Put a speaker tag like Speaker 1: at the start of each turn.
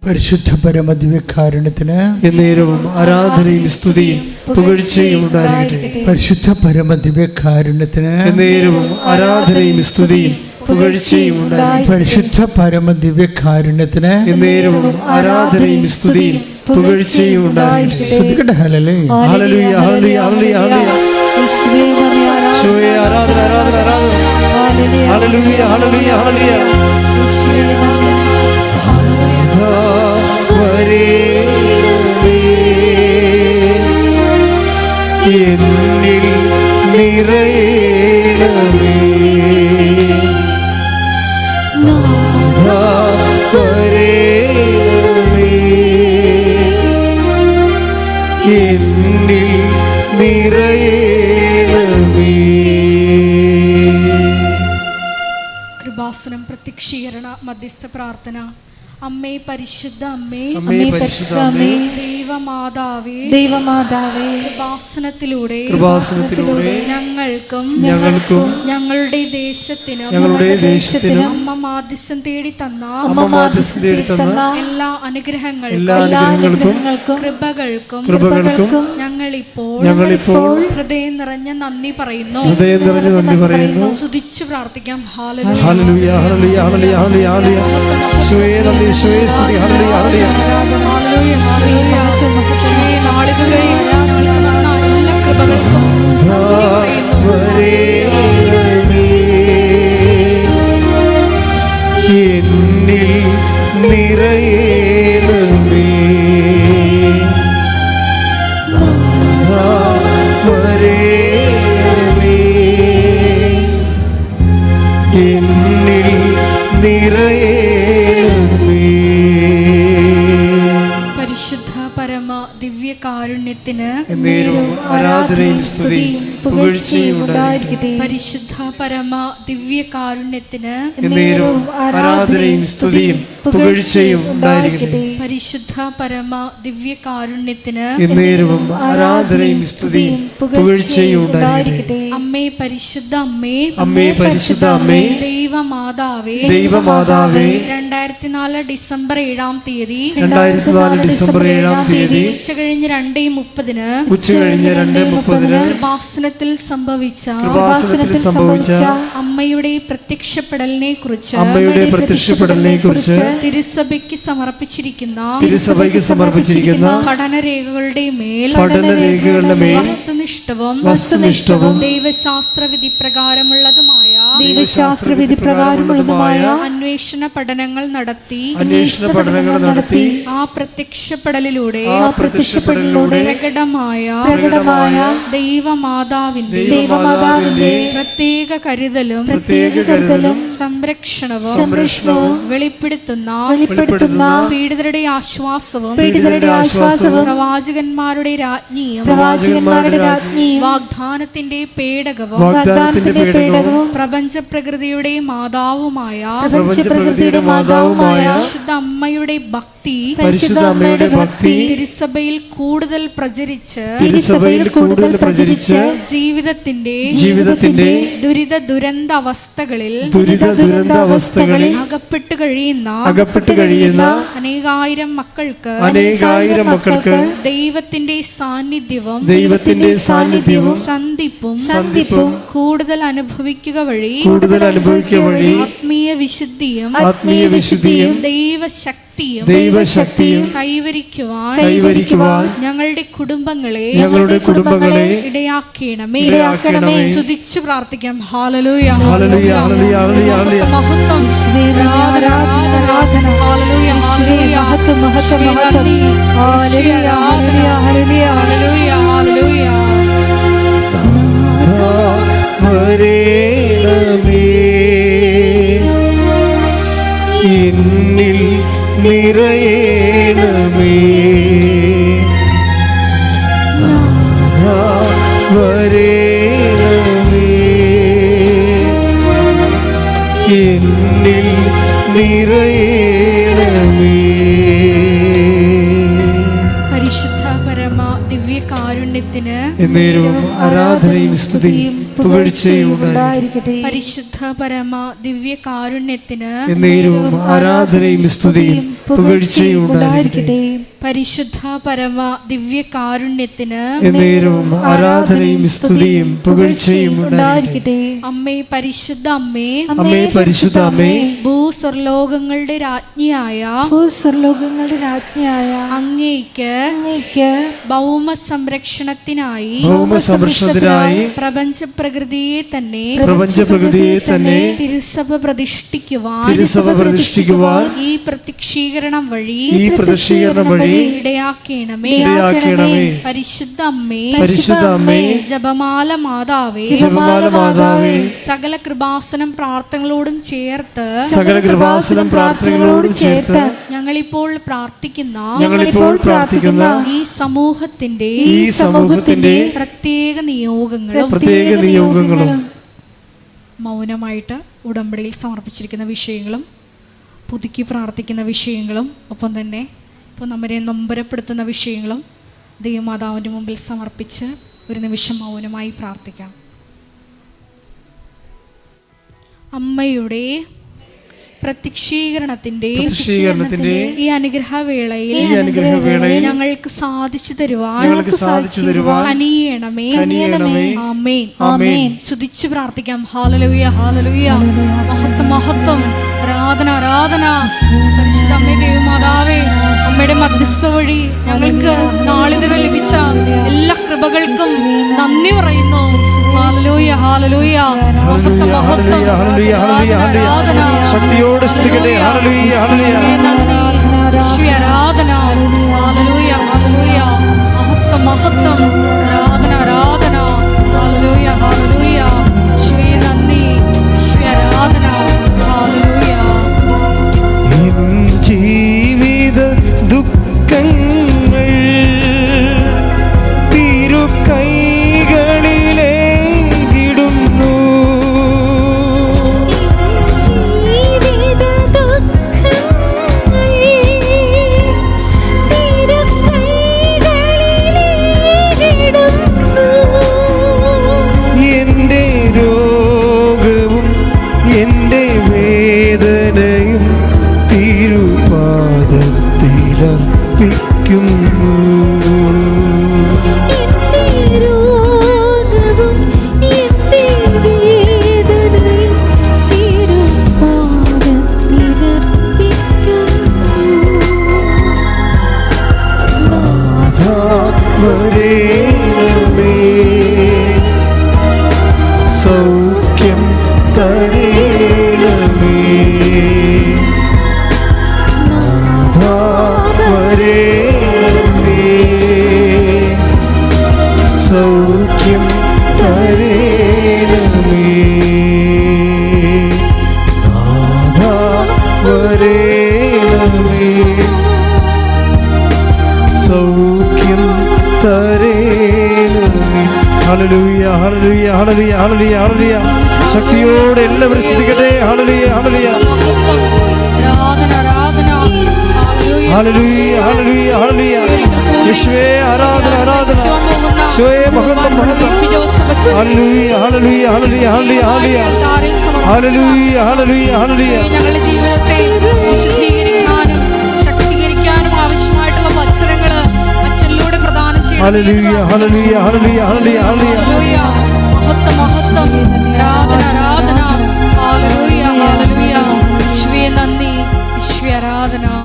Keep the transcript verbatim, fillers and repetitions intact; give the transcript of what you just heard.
Speaker 1: പരിശുദ്ധ പരമദിവ്യകാരുണ്യത്തിന്
Speaker 2: എന്നേരവും ആരാധനയും സ്തുതിയും പുകഴ്ചയും ഉണ്ടായിരിക്കട്ടെ.
Speaker 1: പരിശുദ്ധ പരമദിവ്യകാരുണ്യത്തിന്
Speaker 2: എന്നേരവും ആരാധനയും സ്തുതിയും പുകഴ്ചയും ഉണ്ടായിരിക്കട്ടെ.
Speaker 1: പരിശുദ്ധ പരമദിവ്യകാരുണ്യത്തിന്
Speaker 2: എന്നേരവും ആരാധനയും സ്തുതിയും പുകഴ്ചയും ഉണ്ടായിരിക്കട്ടെ.
Speaker 1: ശ്രദ്ധിക്കട്ടെ. ഹല്ലേലൂയ
Speaker 2: ഹല്ലേലൂയ ഹല്ലേലൂയ ഹല്ലേലൂയ. യേശുവേ ആരാധന ആരാധന ആരാധന. ഹല്ലേലൂയ ഹല്ലേലൂയ ഹല്ലേലൂയ. വരേണമേ എന്നിൽ നിറയണമേ നാഥാ വരേണമേ എന്നിൽ നിറയണമേ.
Speaker 3: കൃപാസനം പ്രത്യക്ഷീകരണ മധ്യസ്ഥ പ്രാർത്ഥന. അമ്മേ പരിശുദ്ധ അമ്മേ,
Speaker 2: അമ്മേ പരിശുദ്ധ അമ്മേ,
Speaker 3: ദൈവമാതാവേ,
Speaker 4: ദൈവമാതാവേ,
Speaker 3: കൃപാസനത്തിലൂടെ
Speaker 2: കൃപാസനത്തിലൂടെ
Speaker 3: ഞങ്ങൾക്കും
Speaker 2: ഞങ്ങൾക്കും
Speaker 3: ഞങ്ങളുടെ ദേശത്തിനും
Speaker 2: ഞങ്ങളുടെ ദേശത്തിനും
Speaker 3: അമ്മ മാധ്യസ്ഥം തേടി തന്ന
Speaker 2: അമ്മ മാധ്യസ്ഥം തേടി തന്ന
Speaker 3: എല്ലാ അനുഗ്രഹങ്ങൾക്കും
Speaker 2: എല്ലാ അനുഗ്രഹങ്ങൾക്കും
Speaker 3: കൃപകൾക്കും
Speaker 2: കൃപകൾക്കും
Speaker 3: ഞങ്ങളിപ്പോൾ
Speaker 2: ഞങ്ങളിപ്പോൾ
Speaker 3: ഹൃദയം നിറഞ്ഞ നന്ദി പറയുന്നു.
Speaker 2: ഹൃദയം നിറഞ്ഞ നന്ദി പറയുന്നു.
Speaker 3: സ്തുതിച്ചു പ്രാർത്ഥിക്കാം.
Speaker 2: ഹല്ലേലൂയ ഹല്ലേലൂയ ഹല്ലേലൂയ ഹല്ലേലൂയ ഹല്ലേലൂയ. യേശുവേ നന്ദി, യേശുവേ സ്തുതി. ഹല്ലേലൂയ ഹല്ലേലൂയ
Speaker 3: ഹല്ലേലൂയ ഹല്ലേലൂയ. യേശുവേ നാളിതുവരെ ഞങ്ങൾക്ക് തന്ന എല്ലാ കൃപകൾക്കും നന്ദി പറയുന്നു.
Speaker 2: വരേണമേ എന്നിൽ നിറയണമേ നാഥാ വരേണമേ എന്നിൽ നിറയണമേ.
Speaker 3: പരിശുദ്ധ പരമ ദിവ്യകാരുണ്യത്തിന്
Speaker 2: എന്നേരവും ആരാധനയും സ്തുതിയും പുകഴ്ചയും ഉണ്ടായിരിക്കട്ടെ.
Speaker 3: പരിശുദ്ധ പരമ ദിവ്യകാരുണ്യത്തിന്
Speaker 2: എന്നേരവും ആരാധനയും സ്തുതിയും പുകഴ്ചയും ഉണ്ടായിരിക്കട്ടെ.
Speaker 3: പരിശുദ്ധ പരമ ദിവ്യകാരുണ്യത്തിന്
Speaker 2: എന്നേരവും ആരാധനയും സ്തുതിയും പുകഴ്ചയും ഉണ്ടായിരിക്കട്ടെ.
Speaker 3: അമ്മേ പരിശുദ്ധ അമ്മേ,
Speaker 2: അമ്മേ പരിശുദ്ധ അമ്മേ,
Speaker 3: ദൈവമാതാവേ,
Speaker 2: ദൈവമാതാവേ,
Speaker 3: രണ്ടായിരത്തി നാല് ഡിസംബർ ഏഴാം തീയതി
Speaker 2: രണ്ടായിരത്തി നാല് ഡിസംബർ ഏഴാം തീയതി
Speaker 3: ഉച്ച കഴിഞ്ഞ് രണ്ടേ മുപ്പതിന്
Speaker 2: ഉച്ച കഴിഞ്ഞ് രണ്ട് മുപ്പതിന്
Speaker 3: കൃപാസനത്തിൽ സംഭവിച്ച
Speaker 2: കൃപാസനത്തിൽ സംഭവിച്ച
Speaker 3: അമ്മയുടെ പ്രത്യക്ഷപ്പെടലിനെ കുറിച്ച്
Speaker 2: അമ്മയുടെ പ്രത്യക്ഷപ്പെടലിനെ കുറിച്ച്
Speaker 3: തിരുസഭയ്ക്ക് സമർപ്പിച്ചിരിക്കുന്ന
Speaker 2: തിരുസഭയ്ക്ക് സമർപ്പിച്ചിരിക്കുന്ന
Speaker 3: പഠനരേഖകളുടെ മേൽ
Speaker 2: പഠനരേഖകളുടെ മേൽ
Speaker 3: വസ്തുനിഷ്ഠവും
Speaker 2: വസ്തുനിഷ്ഠവും
Speaker 3: ദൈവശാസ്ത്ര വിധി പ്രകാരമുള്ളതുമായ
Speaker 4: ദൈവശാസ്ത്ര വിധി പ്രകാരമുള്ളതുമായ
Speaker 3: അന്വേഷണ പഠനങ്ങൾ നടത്തി
Speaker 2: അന്വേഷണ പഠനങ്ങൾ നടത്തി
Speaker 3: ആ പ്രത്യക്ഷപ്പെടലിലൂടെ
Speaker 2: ആ പ്രത്യക്ഷപ്പെടലിലൂടെ
Speaker 3: പ്രകടമായ
Speaker 4: പ്രകടമായ
Speaker 3: ദൈവമാതാവിന്റെ
Speaker 4: ദൈവമാതാവിന്റെ
Speaker 3: പ്രത്യേക കരുതലും
Speaker 2: പ്രത്യേക കരുതലും
Speaker 3: സംരക്ഷണവും
Speaker 2: സംരക്ഷണവും
Speaker 3: വെളിപ്പെടുത്തുന്ന
Speaker 4: വെളിപ്പെടുത്തുന്ന
Speaker 3: പീഡിതരുടെ ആശ്വാസവും
Speaker 4: പീഡിതരുടെ ആശ്വാസവും
Speaker 3: പ്രവാചകന്മാരുടെ രാജ്ഞിയും
Speaker 4: പ്രവാചകന്മാരുടെ രാജ്ഞിയും
Speaker 3: വാഗ്ദാനത്തിന്റെ പേടകവും
Speaker 2: വാഗ്ദാനത്തിന്റെ പേടകവും
Speaker 3: പ്രപഞ്ച പ്രകൃതിയുടെ മാതാവുമായ
Speaker 4: പ്രപഞ്ചപ്രകൃതിയുടെ മാതാവുമായ
Speaker 3: പരിശുദ്ധ അമ്മയുടെ ഭക്തി
Speaker 2: പരിശുദ്ധ അമ്മയുടെ ഭക്തി
Speaker 3: തിരുസഭയിൽ കൂടുതൽ പ്രചരിച്ച്
Speaker 2: തിരുസഭയിൽ കൂടുതൽ പ്രചരിച്ച്
Speaker 3: ജീവിതത്തിന്റെ
Speaker 2: ജീവിതത്തിന്റെ
Speaker 3: ദുരിത ദുരന്ത അവസ്ഥകളിൽ
Speaker 2: ദുരിത ദുരന്ത അവസ്ഥകളിൽ
Speaker 3: അകപ്പെട്ടു കഴിയുന്ന
Speaker 2: അകപ്പെട്ടു കഴിയുന്ന
Speaker 3: അനേകായിരം മക്കൾക്ക്
Speaker 2: അനേകായിരം മക്കൾക്ക്
Speaker 3: ദൈവത്തിന്റെ സാന്നിധ്യവും
Speaker 2: ദൈവത്തിന്റെ സാന്നിധ്യവും
Speaker 3: സന്ധിപ്പും
Speaker 2: സന്ധിപ്പും
Speaker 3: കൂടുതൽ അനുഭവിക്കുക വഴി
Speaker 2: കൂടുതൽ അനുഭവിക്കുക വഴി
Speaker 3: ആത്മീയ വിശുദ്ധിയും
Speaker 2: ആത്മീയ വിശുദ്ധിയും
Speaker 3: ദൈവശക്തിയും
Speaker 2: ദൈവശക്തിയും
Speaker 3: കൈവരിക്കുവാൻ
Speaker 2: കൈവരിക്കുവാൻ
Speaker 3: ഞങ്ങളുടെ കുടുംബങ്ങളെ
Speaker 2: ഞങ്ങളുടെ കുടുംബങ്ങളെ
Speaker 3: ഇടയാക്കണമേ.
Speaker 2: ഇടയാക്കണമേ.
Speaker 3: സ്തുതിച്ചു പ്രാർത്ഥിക്കാം. ഹല്ലേലൂയ
Speaker 2: ഹല്ലേലൂയ ഹല്ലേലൂയ ഹല്ലേലൂയ ഹല്ലേലൂയ.
Speaker 3: മഹത്വം
Speaker 4: ആരാധന, ആരാധന.
Speaker 3: ഹല്ലേലൂയ ഹല്ലേലൂയ
Speaker 4: മഹത്വം, മഹത്വം,
Speaker 3: യേശുവേ
Speaker 4: മഹത്വം.
Speaker 3: നന്ദി.
Speaker 4: ഹല്ലേലൂയ,
Speaker 3: യേശുവേ ആരാധന.
Speaker 4: ഹല്ലേലൂയ,
Speaker 3: ഹല്ലേലൂയ ഹല്ലേലൂയ.
Speaker 2: നാഥാ വരേണമേ എന്നിൽ നിറയണമേ നാഥാ വരേണമേ എന്നിൽ നിറയണമേ.
Speaker 3: പരിശുദ്ധ പരമ ദിവ്യകാരുണ്യത്തിന്
Speaker 2: എന്നേരവും ആരാധനയും സ്തുതിയും പുകഴ്ചയും ഉണ്ടായിരിക്കട്ടെ.
Speaker 3: പരിശുദ്ധ പരമ ദിവ്യ കാരുണ്യത്തിന്
Speaker 2: എന്നേരവും ആരാധനയും സ്തുതിയും പുകഴ്ചയും ഉണ്ടായിരിക്കട്ടെ.
Speaker 3: പരിശുദ്ധ പരമ ദിവ്യ കാരുണ്യത്തിന്
Speaker 2: എന്നേരവും ആരാധനയും സ്തുതിയും പുകഴ്ചയും ഉണ്ടായിരിക്കട്ടെ.
Speaker 3: അമ്മേ പരിശുദ്ധ അമ്മേ,
Speaker 2: അമ്മേ പരിശുദ്ധ അമ്മേ,
Speaker 3: ഭൂസ്വർലോകങ്ങളുടെ രാജ്ഞിയായ
Speaker 4: ഭൂസ്വർലോകങ്ങളുടെ രാജ്ഞിയായ
Speaker 3: അങ്ങേയ്ക്ക്
Speaker 4: അങ്ങേയ്ക്ക്
Speaker 3: ഭൗമ സംരക്ഷണത്തിനായി
Speaker 2: ഭൗമ സംരക്ഷണത്തിനായി
Speaker 3: പ്രപഞ്ച പ്രകൃതിയെ തന്നെ
Speaker 2: പ്രപഞ്ച പ്രകൃതിയെ തന്നെ
Speaker 3: തിരുസഭ പ്രതിഷ്ഠിക്കുവാൻ
Speaker 2: തിരുസഭ പ്രതിഷ്ഠിക്കുവാൻ
Speaker 3: ഈ പ്രത്യക്ഷീകരണം വഴി
Speaker 2: ഈ പ്രദർശീകരണം വഴി
Speaker 3: ഇടയാക്കണമേ.
Speaker 2: ഇടയാക്കണമേ.
Speaker 3: പരിശുദ്ധ അമ്മേ,
Speaker 2: പരിശുദ്ധ അമ്മേ,
Speaker 3: ജപമാല മാതാവേ,
Speaker 2: ജപമാല മാതാവേ,
Speaker 3: സകല കൃപാസനം പ്രാർത്ഥനകളോടും ചേർത്ത്
Speaker 2: സകല കൃപാസനം പ്രാർത്ഥനകളോട് ചേർത്ത്
Speaker 3: ഞങ്ങളിപ്പോൾ പ്രാർത്ഥിക്കുന്ന
Speaker 2: ഞങ്ങളിപ്പോൾ പ്രാർത്ഥിക്കുന്ന
Speaker 3: ഈ സമൂഹത്തിന്റെ
Speaker 2: ഈ സമൂഹത്തിന്റെ
Speaker 3: പ്രത്യേക നിയോഗങ്ങളും
Speaker 2: പ്രത്യേക നിയോഗങ്ങളും
Speaker 3: മൗനമായിട്ട് ഉടമ്പടിയിൽ സമർപ്പിച്ചിരിക്കുന്ന വിഷയങ്ങളും പുതുക്കി പ്രാർത്ഥിക്കുന്ന വിഷയങ്ങളും ഒപ്പം തന്നെ ഇപ്പോൾ നമ്മെ നൊമ്പരപ്പെടുത്തുന്ന വിഷയങ്ങളും ദൈവമാതാവിൻ്റെ മുമ്പിൽ സമർപ്പിച്ച് ഒരു നിമിഷം മൗനമായി പ്രാർത്ഥിക്കാം. അമ്മയുടെ പ്രത്യക്ഷീകരണത്തിന്റെ
Speaker 2: പ്രത്യക്ഷീകരണത്തിന്റെ
Speaker 3: ഈ അനുഗ്രഹവേളയിൽ
Speaker 2: ഈ അനുഗ്രഹവേളയിൽ
Speaker 3: ഞങ്ങൾക്ക് സാധിച്ചു തരുവാൻ
Speaker 2: ഞങ്ങൾക്ക് സാധിച്ചു തരുവാൻ
Speaker 3: കനിയണമേ.
Speaker 2: കനിയണമേ.
Speaker 3: ആമേൻ.
Speaker 2: ആമേൻ.
Speaker 3: സ്തുതിച്ചു പ്രാർത്ഥിക്കാം. ഹല്ലേലൂയ, ഹല്ലേലൂയ. മഹത്വം, മഹത്വം. ആരാധന, ആരാധന. പരിശുദ്ധ അമ്മേ, ദൈവമാതാവേ, അമ്മയുടെ മധ്യസ്ഥ വഴി ഞങ്ങൾക്ക് നാളിതുവരെ ലഭിച്ച എല്ലാ കൃപകൾക്കും നന്ദി പറയുന്നു. ഹല്ലേലൂയ, ഹല്ലേലൂയ. മഹത്വം, മഹത്വം. ആരാധന,
Speaker 2: ശക്തിയോടെ സ്തുതിക്കട്ടെ. ഹല്ലേലൂയ, ഹല്ലേലൂയ.
Speaker 3: നന്ദി, യേശുവേ, ആരാധന. ഹല്ലേലൂയ, ഹല്ലേലൂയ. മഹത്വം, മഹത്വം. ആരാധന, ആരാധന. ഹല്ലേലൂയ, ഹല്ലേലൂയ. യേശുവേ, നന്ദി, യേശുവേ, ആരാധന. ഹല്ലേലൂയ.
Speaker 2: എൻ ജീവിത ദുഃഖങ്ങൾ തിരുക്കൈകളിലേക്കിടുന്നു. എന്റെ രോഗവും എന്റെ വേദനയും തിരുപാദത്തിലർപ്പിക്കുന്നു. നാഥാ വരേണമേ, സൗഖ്യം തരേണമേ. നാഥാ വരേണമേ, സൗഖ്യം തരേണമേ. നാഥാ വരേണമേ, സൗഖ്യം തരേണമേ. ഹല്ലേലൂയ, ഹല്ലേലൂയ, ഹല്ലേലൂയ, ഹല്ലേലൂയ, ഹല്ലേലൂയ. ശക്തിയോടെ എല്ലാവരും ശ്രദ്ധിക്കട്ടെ. ഹല്ലേലൂയ, ഹല്ലേലൂയ.
Speaker 3: മഹത്വം. ആരാധന, ആരാധന. ഹല്ലേലൂയ.
Speaker 2: ഹല്ലേലൂയ, ഹല്ലേലൂയ, ഹല്ലേലൂയ. യേശുവേ, ആരാധന, ആരാധന. യേശുവേ, മഹത്വം, മഹത്വം. ഹല്ലേലൂയ, ഹല്ലേലൂയ, ഹല്ലേലൂയ, ഹല്ലേലൂയ, ഹല്ലേലൂയ. ഹല്ലേലൂയ, ഹല്ലേലൂയ, ഹല്ലേലൂയ.
Speaker 3: ഞങ്ങളുടെ ജീവിതത്തെ വിശുദ്ധീകരിക്കാനും ശക്തീകരിക്കാനും ആവശ്യമായിട്ടുള്ള വചനങ്ങള് അച്ഛനിലൂടെ പ്രദാനം ചെയ്യണം.
Speaker 2: ഹല്ലേലൂയ, ഹല്ലേലൂയ, ഹല്ലേലൂയ, ഹല്ലേലൂയ, ഹല്ലേലൂയ.
Speaker 3: ഹല്ലേലൂയ. മഹത്വം, മഹത്വം. ആരാധന, ആരാധന. ഹല്ലേലൂയ, ഹല്ലേലൂയ. യേശുവേ, നന്ദി, യേശുവേ, ആരാധന.